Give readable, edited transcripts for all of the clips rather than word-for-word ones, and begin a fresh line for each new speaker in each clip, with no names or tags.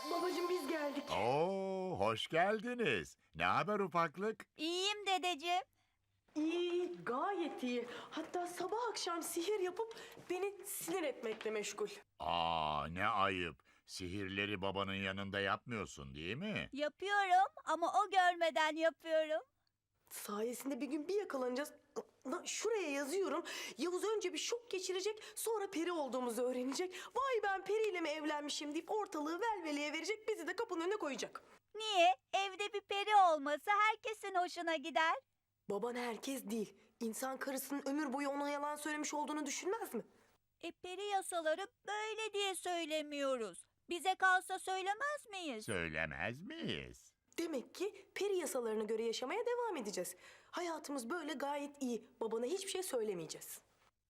Babacığım biz geldik.
Oo, hoş geldiniz. Ne haber ufaklık?
İyiyim dedeciğim.
İyi, gayet iyi. Hatta sabah akşam sihir yapıp beni sinir etmekle meşgul.
Ne ayıp. Sihirleri babanın yanında yapmıyorsun değil mi?
Yapıyorum ama o görmeden yapıyorum.
Sayesinde bir gün bir yakalanacağız. Şuraya yazıyorum. Yavuz önce bir şok geçirecek, sonra peri olduğumuzu öğrenecek. Vay ben periyle mi evlenmişim deyip ortalığı velveleye verecek, bizi de kapının önüne koyacak.
Niye? Evde bir peri olması herkesin hoşuna gider.
Baban herkes değil. İnsan karısının ömür boyu ona yalan söylemiş olduğunu düşünmez mi?
Peri yasaları böyle diye söylemiyoruz. Bize kalsa söylemez miyiz?
Söylemez miyiz?
Demek ki peri yasalarına göre yaşamaya devam edeceğiz. Hayatımız böyle gayet iyi. Babana hiçbir şey söylemeyeceğiz.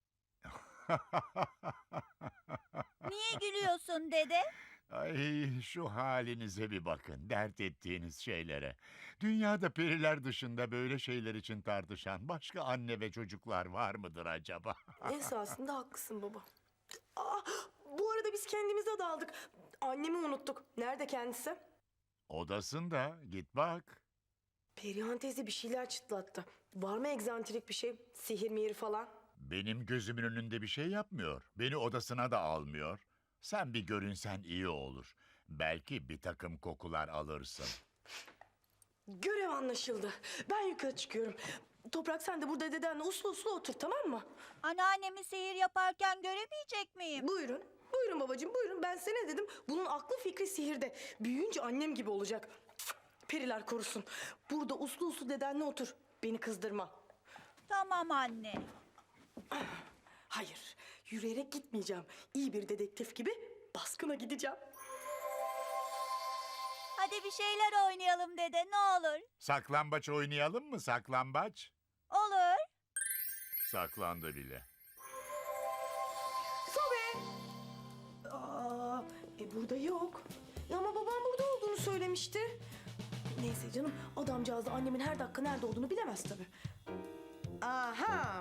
Niye gülüyorsun dede?
Ay, şu halinize bir bakın, dert ettiğiniz şeylere. Dünyada periler dışında böyle şeyler için tartışan başka anne ve çocuklar var mıdır acaba?
Esasında haklısın baba. Aa, bu arada biz kendimize daldık. Annemi unuttuk. Nerede kendisi?
Odasında, git bak.
Perihan teyze bir şeyler çıtlattı. Var mı egzantrik bir şey? Sihir mihir falan?
Benim gözümün önünde bir şey yapmıyor. Beni odasına da almıyor. Sen bir görünsen iyi olur. Belki bir takım kokular alırsın.
Görev anlaşıldı. Ben yukarı çıkıyorum. Toprak sen de burada dedenle uslu uslu otur, tamam mı?
Anneannemi sihir yaparken göremeyecek miyim?
Buyurun. Buyurun babacığım buyurun. Ben size ne dedim? Bunun aklı fikri sihirde. Büyüyünce annem gibi olacak. Periler korusun. Burada uslu uslu dedenle otur. Beni kızdırma.
Tamam anne.
Hayır. Yürüyerek gitmeyeceğim. İyi bir dedektif gibi baskına gideceğim.
Hadi bir şeyler oynayalım dede ne olur.
Saklambaç oynayalım mı, saklambaç?
Olur.
Saklandı bile.
Sobe! Burada yok. Ama babam burada olduğunu söylemişti. Neyse canım, adamcağız da annemin her dakika nerede olduğunu bilemez tabii. Aha!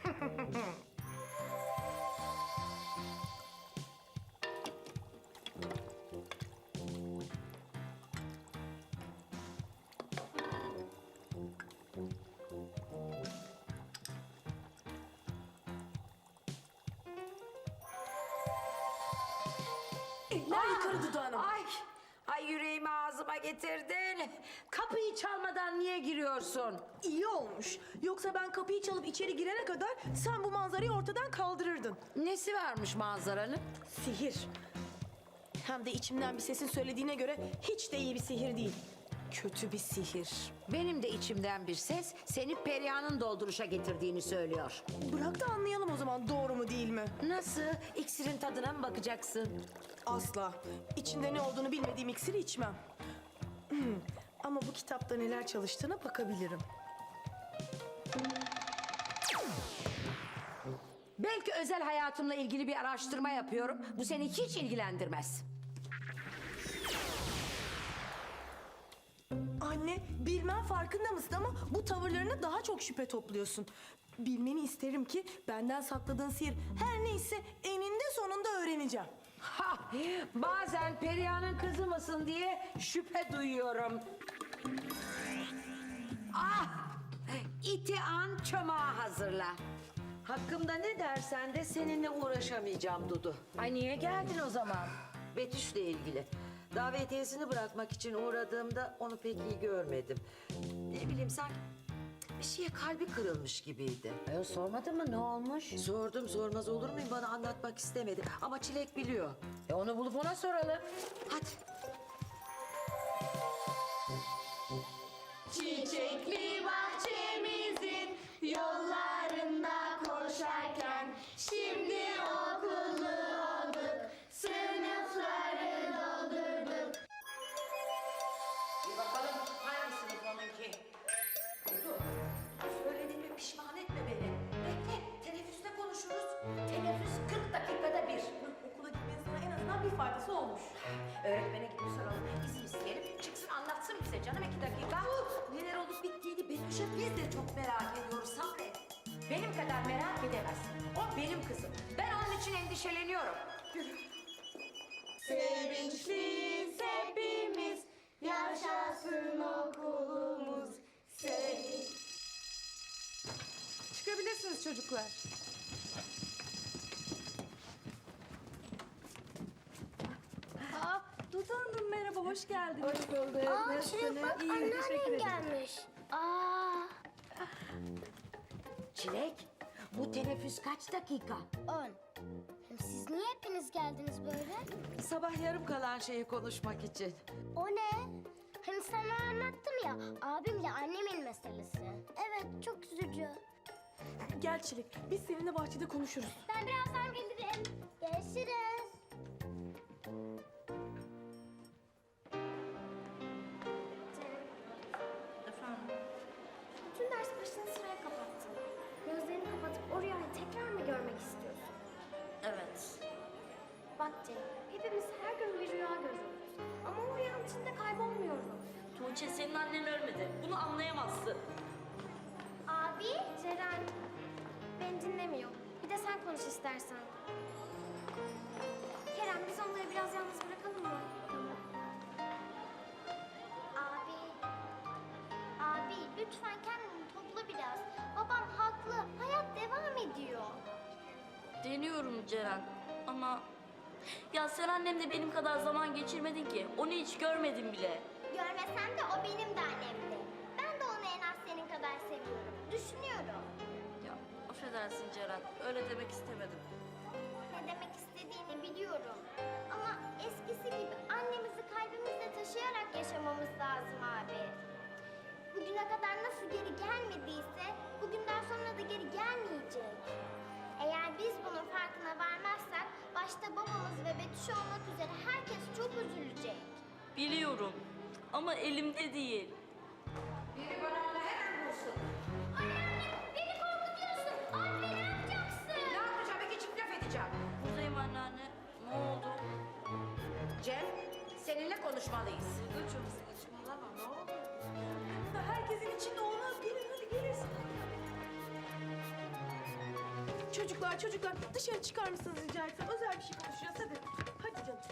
Eller yukarı dudağına.
Ay yüreğimi ağzıma getirdin. Kapıyı çalmadan niye giriyorsun?
İyi olmuş. Yoksa ben kapıyı çalıp içeri girene kadar sen bu manzarayı ortadan kaldırırdın.
Nesi varmış manzaranın?
Sihir. Hem de içimden bir sesin söylediğine göre hiç de iyi bir sihir değil. Kötü bir sihir.
Benim de içimden bir ses seni Perihan'ın dolduruşa getirdiğini söylüyor.
Bırak da anlayalım o zaman doğru mu değil mi?
Nasıl? İksirin tadına mı bakacaksın?
Asla. İçinde ne olduğunu bilmediğim iksiri içmem. Ama bu kitapta neler çalıştığına bakabilirim.
Belki özel hayatımla ilgili bir araştırma yapıyorum. Bu seni hiç ilgilendirmez.
Anne, bilmem farkında mısın ama bu tavırlarına daha çok şüphe topluyorsun. Bilmeni isterim ki benden sakladığın sihir her neyse eninde sonunda öğreneceğim.
Ha, bazen Perihan'ın kızı mısın diye şüphe duyuyorum. Ah! İti an çomağı hazırla.
Hakkımda ne dersen de seninle uğraşamayacağım Dudu.
Ay niye geldin o zaman?
Betüş'le ilgili. Davetiyesini bırakmak için uğradığımda onu pek iyi görmedim. Ne bileyim sanki bir şeye kalbi kırılmış gibiydi.
Sormadın mı ne olmuş?
Sordum, sormaz olur muyum, bana anlatmak istemedi. Ama Çilek biliyor.
Onu bulup ona soralım.
Hadi.
Çiçekli bahçemizin yollarında koşarken şimdi okullu olduk, sınıfları doldurduk.
Bir bakalım hangi sınıf onunki? Dudu, söylediğime pişman etme beni. Bekle, teneffüste konuşuruz.
Teneffüs 40 dakikada bir.
Okula gitmenin sana en azından bir faydası olmuş.
Öğretmene gidip soralım. İzin isteyelim. Çıksın anlatsın bize canım 2 dakika.
Neler olup bittiğini Betüş'e biz de çok merak ediyoruz sabret.
Benim kadar merak edemezsin. O benim kızım. Ben onun için endişeleniyorum.
Sevinçli, yaşasın okulumuz senin.
Çıkabilirsiniz çocuklar.
Dudu Hanım merhaba, hoş geldiniz.
Hoş bulduk.
Aa Çilek bak anneannem gelmiş. Aa.
Çilek, bu teneffüs kaç dakika?
10. Hem siz niye hepiniz geldiniz böyle?
Sabah yarım kalan şeyi konuşmak için.
O ne? Hani sana anlattım ya abimle annemin meselesi. Evet çok üzücü.
Gel Çilek, biz seninle bahçede konuşuruz.
Ben birazdan gelirim. Görüşürüz.
Bütün ders başını sıraya kapattın. Gözlerini kapatıp o rüyayı tekrar mı görmek istiyorsun?
Evet.
Bak Cem, hepimiz her gün bir rüya görüyoruz. Ama o rüyanın içinde kaybolmuyoruz.
Tuğçe senin annen ölmedi. Bunu anlayamazsın.
Abi, Ceren beni dinlemiyor. Bir de sen konuş istersen. Kerem, biz onları biraz yalnız bırakalım mı? Abi, abi lütfen kendini topla biraz. Babam haklı, hayat devam ediyor.
Deniyorum Ceren ama... Ya sen annemle benim kadar zaman geçirmedin ki. Onu hiç görmedim bile.
Görmesem de o benim de annemdi. Ben de onu en az senin kadar seviyorum. Düşünüyorum.
Ya affedersin Ceren. Öyle demek istemedim.
Ne demek istediğini biliyorum. Ama eskisi gibi annemizi kalbimizde taşıyarak yaşamamız lazım abi. Bugüne kadar nasıl geri gelmediyse bugünden sonra da geri gelmeyecek. Eğer biz bunun farkına varmazsak başta babamız ve Betüş olmak üzere herkes çok üzülecek.
Biliyorum ama elimde değil.
Biri bana onu hemen bulsun.
Anneanne beni korkutuyorsun. Abi ne yapacaksın?
Ne yapacağım? İki çift laf edeceğim.
Buradayım anneanne. Ne oldu?
Cem, seninle konuşmalıyız.
Çok saçmalama ne oldu?
Herkesin içinde olmaz. Gelin hadi gelirsin. Çocuklar dışarı çıkar mısınız rica etsem? Özel bir şey konuşacağız hadi. Hadi canım.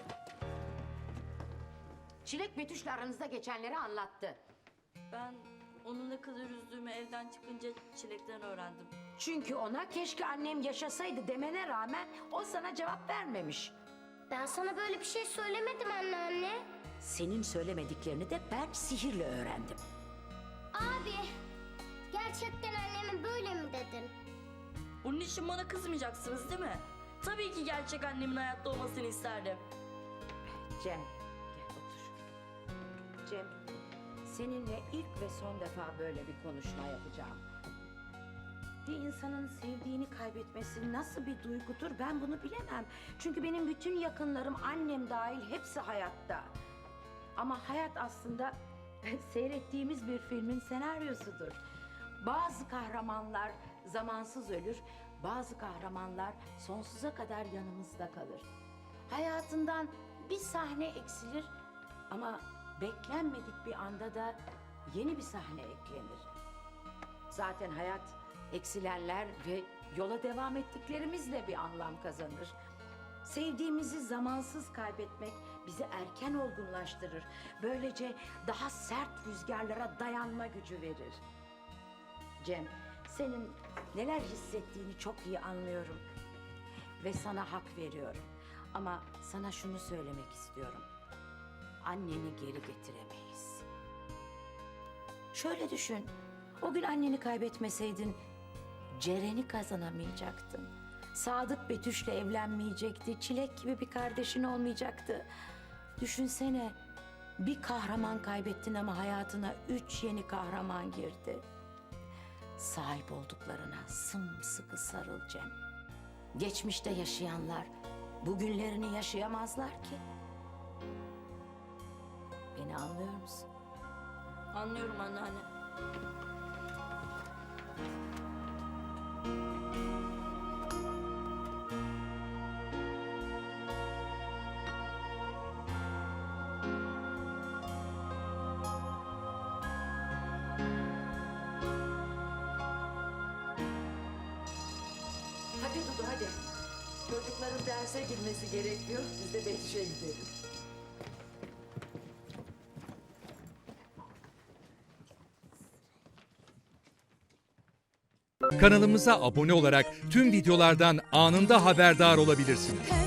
Çilek Betüş'le aranızda geçenleri anlattı.
Ben onu ne kadar üzdüğümü evden çıkınca Çilek'ten öğrendim.
Çünkü ona keşke annem yaşasaydı demene rağmen o sana cevap vermemiş.
Ben sana böyle bir şey söylemedim anneanne.
Senin söylemediklerini de ben sihirle öğrendim.
Abi gerçekten anneme böyle mi dedin?
Bunun için bana kızmayacaksınız değil mi? Tabii ki gerçek annemin hayatta olmasını isterdim.
Cem, gel otur. Cem, seninle ilk ve son defa böyle bir konuşma yapacağım. Bir insanın sevdiğini kaybetmesi nasıl bir duygudur ben bunu bilemem. Çünkü benim bütün yakınlarım, annem dahil hepsi hayatta. Ama hayat aslında seyrettiğimiz bir filmin senaryosudur. Bazı kahramanlar zamansız ölür, bazı kahramanlar sonsuza kadar yanımızda kalır. Hayatından bir sahne eksilir ama beklenmedik bir anda da yeni bir sahne eklenir. Zaten hayat eksilenler ve yola devam ettiklerimizle bir anlam kazanır. Sevdiğimizi zamansız kaybetmek bizi erken olgunlaştırır. Böylece daha sert rüzgarlara dayanma gücü verir. Cem, senin neler hissettiğini çok iyi anlıyorum. Ve sana hak veriyorum. Ama sana şunu söylemek istiyorum. Anneni geri getiremeyiz. Şöyle düşün. O gün anneni kaybetmeseydin Ceren'i kazanamayacaktın. Sadık Betüş'le evlenmeyecekti. Çilek gibi bir kardeşin olmayacaktı. Düşünsene. Bir kahraman kaybettin ama hayatına 3 yeni kahraman girdi. Sahip olduklarına sımsıkı sarıl Cem. Geçmişte yaşayanlar bugünlerini yaşayamazlar ki. Beni anlıyor musun?
Anlıyorum anneanne.
Hadi Dudu hadi. Çocukların derse girmesi gerekiyor. Biz de Betüş'e gidelim.
Kanalımıza abone olarak tüm videolardan anında haberdar olabilirsiniz.